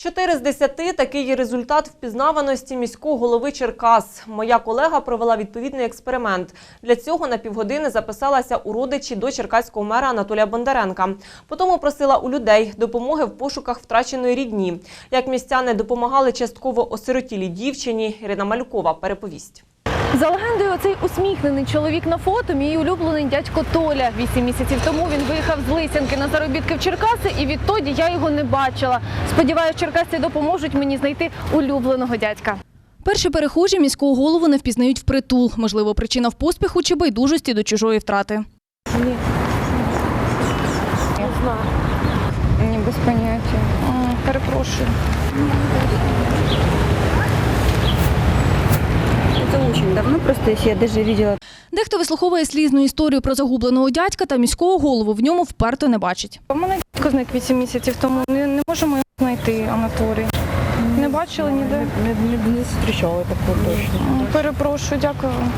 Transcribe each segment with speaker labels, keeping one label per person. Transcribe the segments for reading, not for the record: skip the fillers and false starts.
Speaker 1: 4 з 10 – такий результат впізнаваності міського голови Черкас. Моя колега провела відповідний експеримент. Для цього на півгодини записалася у родичі до черкаського мера Анатолія Бондаренка. Потім просила у людей допомоги в пошуках втраченої рідні. Як містяни допомагали частково осиротілій дівчині, Ірина Малюкова переповість.
Speaker 2: За легендою, оцей усміхнений чоловік на фото – мій улюблений дядько Толя. 8 місяців тому він виїхав з Лисянки на заробітки в Черкаси, і відтоді я його не бачила. Сподіваюсь, черкасці допоможуть мені знайти улюбленого дядька.
Speaker 3: Перші перехожі міського голову не впізнають впритул. Можливо, причина в поспіху чи байдужості до чужої втрати.
Speaker 2: Ні. Не знаю. Ні, без поняття. Перепрошую.
Speaker 4: Это очень давно, просто я даже видела.
Speaker 3: Дехто вислуховує слізну історію про загубленого дядька та міського голову в ньому вперто не бачить.
Speaker 2: У мене дядько зник 8 місяців тому. Не можемо його знайти, Анатолій. Не бачили ніде?
Speaker 4: Не зустрічала такого точно.
Speaker 2: Перепрошую, дякую вам.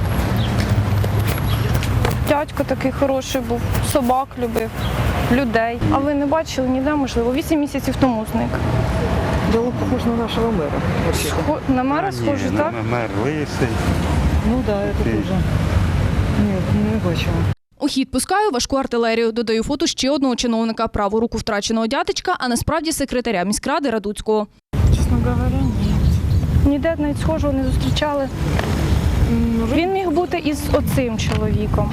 Speaker 2: Дядько такий хороший був, собак любив, людей. А ви не бачили ніде, можливо, 8 місяців тому зник.
Speaker 4: Было похож на нашего мэра.
Speaker 2: На мера схожий, так?
Speaker 5: На мер лисий.
Speaker 4: Ну да, это тоже. Нет, не бачила.
Speaker 3: У хід пускаю важку артилерію. Додаю фото ще одного чиновника, праву руку втраченого дядечка, а насправді секретаря міськради Радуцького.
Speaker 2: Чесно говоря, ні. Ніде навіть схожого не зустрічали. Він міг бути із оцим чоловіком.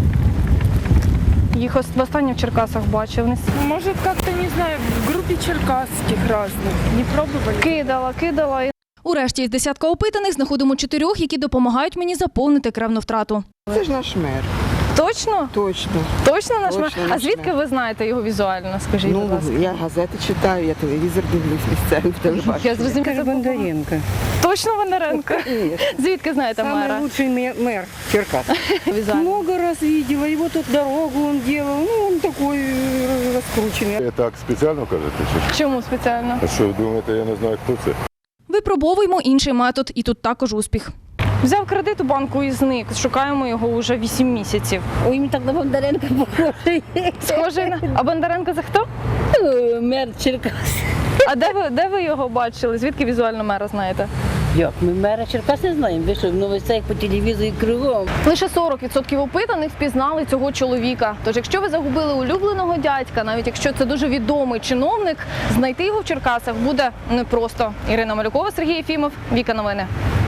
Speaker 2: Їх востаннє в Черкасах бачив.
Speaker 6: Может, как-то, не знаю, в группе черкасских разных. Не пробовали?
Speaker 2: Кидала.
Speaker 3: У решті із десятка опитаних знаходимо 4, які допомагають мені заповнити кревну втрату.
Speaker 4: Це ж наш мер.
Speaker 2: Точно?
Speaker 4: Точно.
Speaker 2: Точно наш мер?
Speaker 4: Точно
Speaker 2: А
Speaker 4: наш
Speaker 2: звідки
Speaker 4: мер.
Speaker 2: ви знаєте його візуально, скажіть, будь ласка?
Speaker 4: Ну, я газети читаю, я телевізор дивлюсь місцеві в телебаченні.
Speaker 2: Я зрозуміла.
Speaker 7: Бондаренко.
Speaker 2: Точно Бондаренко? Звідки знаєте мера?
Speaker 7: Самый лучший мэр Черкас.
Speaker 2: Візуально.
Speaker 7: Много раз видела, его тут дорогу он делал, ну он такой раскрученный.
Speaker 5: Так спеціально кажете? Чи?
Speaker 2: Чому спеціально?
Speaker 5: А що ви думаєте, я не знаю, хто це?
Speaker 3: Випробовуємо інший метод, і тут також успіх.
Speaker 2: Взяв кредит у банку і зник. Шукаємо його вже 8 місяців.
Speaker 8: Ой, він так на Бондаренка похожий.
Speaker 2: Схожий на... А Бондаренко це хто?
Speaker 8: Мер Черкас.
Speaker 2: А де ви його бачили? Звідки візуально мера знаєте?
Speaker 8: Як, ми мера Черкас не знаємо. Ви що, в новостях по телевізору кругом.
Speaker 2: Лише 40% опитаних впізнали цього чоловіка. Тож, якщо ви загубили улюбленого дядька, навіть якщо це дуже відомий чиновник, знайти його в Черкасах буде непросто. Ірина Малюкова, Сергій Єфімов, Віка Новини.